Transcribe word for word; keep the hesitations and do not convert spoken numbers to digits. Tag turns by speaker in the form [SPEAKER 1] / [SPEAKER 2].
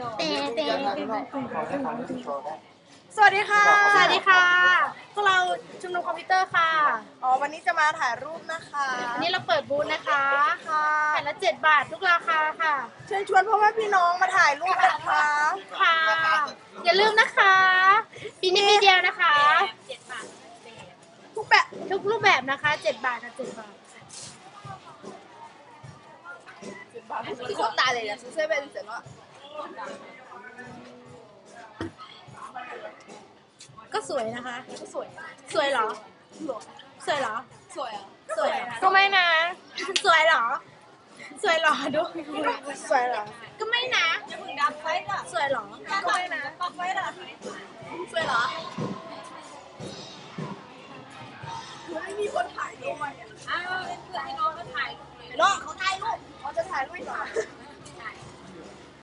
[SPEAKER 1] เตะเตะ
[SPEAKER 2] สวัสดีค่ะ
[SPEAKER 1] สวัสดีค่ะพวกเราชุมนุมคอมพิวเตอร์ค่ะ
[SPEAKER 2] อ๋อ วันนี้จะมาถ่ายรูปนะคะ
[SPEAKER 1] อันนี้เราเปิดบูธนะคะ
[SPEAKER 2] ค่ะ
[SPEAKER 1] แผ่นละเจ็ดบาททุกราคาค่ะ
[SPEAKER 2] เชิญชวนพ่อแม่พี่น้องมาถ่ายรูปนะคะ
[SPEAKER 1] ค่ะ อย่าลืมนะคะปีนี้ปีเดียวนะคะ
[SPEAKER 2] ทุกแบบ
[SPEAKER 1] ทุกรูปแบบนะคะเจ็ดบาทค่ะเจ็ดบาท
[SPEAKER 2] คือคนตายเลยนะซื้อเสื้อเป็นเสร็จแล้ว
[SPEAKER 1] ก็สวยนะคะ
[SPEAKER 2] ก็สวย
[SPEAKER 1] สวยเหรอ สวยเหรอ
[SPEAKER 2] สวยอ่ะ
[SPEAKER 1] สวยเหรอก็ไม่นะ สวยเหรอ สวยเหรอดู
[SPEAKER 2] สวยเหรอ
[SPEAKER 1] ก็ไม่นะ
[SPEAKER 2] จะมึงดำไซส์อ่ะ
[SPEAKER 1] สวยเหรอ
[SPEAKER 2] เ